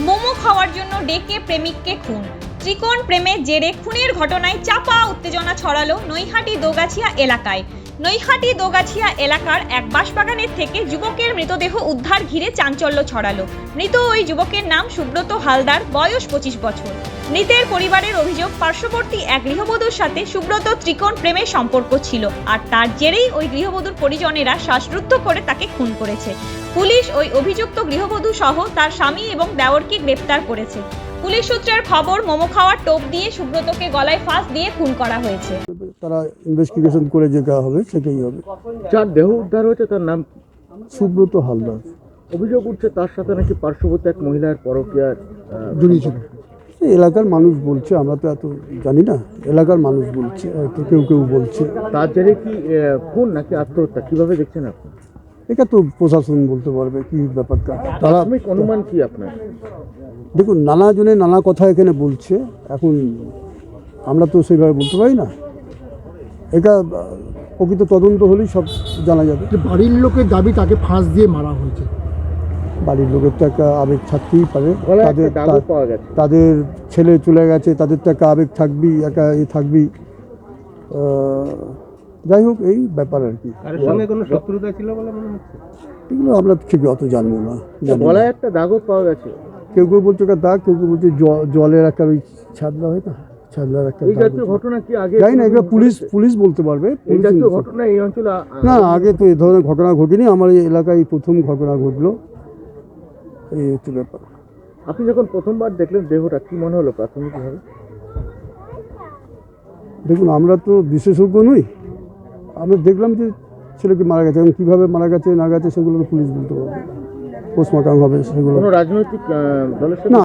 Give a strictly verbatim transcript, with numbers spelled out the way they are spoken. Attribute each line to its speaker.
Speaker 1: মোমো খাওয়ার জন্য ডেকে প্রেমিককে খুন। ত্রিকোণ প্রেমের জেরে খুনের ঘটনায় চাপা উত্তেজনা ছড়ালো নৈহাটি দোগাছিয়া এলাকায়। নৈহাটি দোগাছিয়া এলাকার এক বাঁশবাগানের থেকে যুবকের মৃতদেহ উদ্ধার ঘিরে চাঞ্চল্য ছড়ালো। মৃত ওই যুবকের নাম সুব্রত হালদার, বয়স পঁচিশ বছর। মৃতের পরিবারের অভিযোগ, পার্শ্ববর্তী এক গৃহবধূর সাথে সুব্রত ত্রিকোণ প্রেমের সম্পর্ক ছিল, আর তার জেরেই ওই গৃহবধূর পরিজনেরা শ্বাসরুদ্ধ করে তাকে খুন করেছে। পুলিশ ওই অভিযুক্ত গৃহবধূ সহ তার স্বামী এবং দেওরকে গ্রেপ্তার করেছে। পুলিশ সূত্রের খবর, মোমো খাওয়ার টোপ দিয়ে সুব্রতকে গলায় ফাঁস দিয়ে খুন করা হয়েছে।
Speaker 2: তারা ইনভেস্টিগেশন করে যেটা হবে সেটাই হবে।
Speaker 3: যার দেহ উদ্ধার হয়েছে তার নাম কি?
Speaker 2: সুব্রত হালদার।
Speaker 3: অভিযোগ উঠছে তার সাথে নাকি পার্শ্ববর্তী এক মহিলার পরকীয়ার
Speaker 2: জড়িয়েছিল। এই এলাকার মানুষ বলছে, আমরা তো এত জানি না, এলাকার মানুষ বলছে, হয়তো কেউ কেউ বলছে।
Speaker 3: তার জেরে কি খুন নাকি আত্মহত্যা, কিভাবে দেখছেন আপনি?
Speaker 2: এটা তো প্রশাসন বলতে পারবে কি ব্যাপারটা। তারা
Speaker 3: প্রাথমিক অনুমান কি আপনার?
Speaker 2: দেখুন, নানা জনে নানা কথা এখানে বলছে, এখন আমরা তো সেইভাবে বলতে পারি না। এটা প্রকৃত তদন্ত হলেই সব জানা যাবে।
Speaker 4: বাড়ির লোকের দাবি তাকে ফাঁস দিয়ে মারা হয়েছে।
Speaker 2: বাড়ির লোকের তো একটা আবেগ থাকতেই পারে,
Speaker 3: গলায়
Speaker 2: তাদের
Speaker 3: একটা দাগও পাওয়া গেছে।
Speaker 2: তাদের ছেলে চলে গেছে, তাদের তো একটা আবেগ থাকবেই, একটা এ থাকবেই। যাই হোক, এই ব্যাপার আর কি।
Speaker 3: কারোর সঙ্গে কোনো শত্রুতা ছিল বলে মনে হচ্ছে?
Speaker 2: এগুলো আমরা ঠিক অত জানবো না। জানি না।
Speaker 3: গলায় একটা দাগও পাওয়া গেছে।
Speaker 2: কেউ কেউ বলছে ওটা দাগ, কেউ কেউ বলছে জ- জলের একটা ওই ছাদলা হয় না, ছাদলার একটা
Speaker 3: এই
Speaker 2: দাগ
Speaker 3: জাতীয়
Speaker 2: হয়েছে।
Speaker 3: ঘটনা কি আগে
Speaker 2: জানি না, এগুলো পুলিশ পুলিশ বলতে পারবে।
Speaker 3: এই
Speaker 2: পুলিশ
Speaker 3: জাতীয়
Speaker 2: বলতে-
Speaker 3: ঘটনা এই অঞ্চলে আ-
Speaker 2: না, আগে তো এই ধরনের ঘটনা ঘটেনি। আমার এই এলাকায় প্রথম ঘটনা ঘটলো। এই হচ্ছে ব্যাপার।
Speaker 3: আপনি যখন প্রথমবার দেখলেন দেহটা, কি মনে হলো প্রাথমিকভাবে?
Speaker 2: দেখুন, আমরা তো বিশেষজ্ঞ নই, আমরা দেখলাম যে ছেলেকে মারা গেছে। এবং কীভাবে মারা গেছে না গেছে সেগুলো তো পুলিশ বলতে পারবে, পোস্টমর্টম হবে সেগুলো।
Speaker 3: কোনো রাজনৈতিক আহ, দলের সাথে
Speaker 2: না।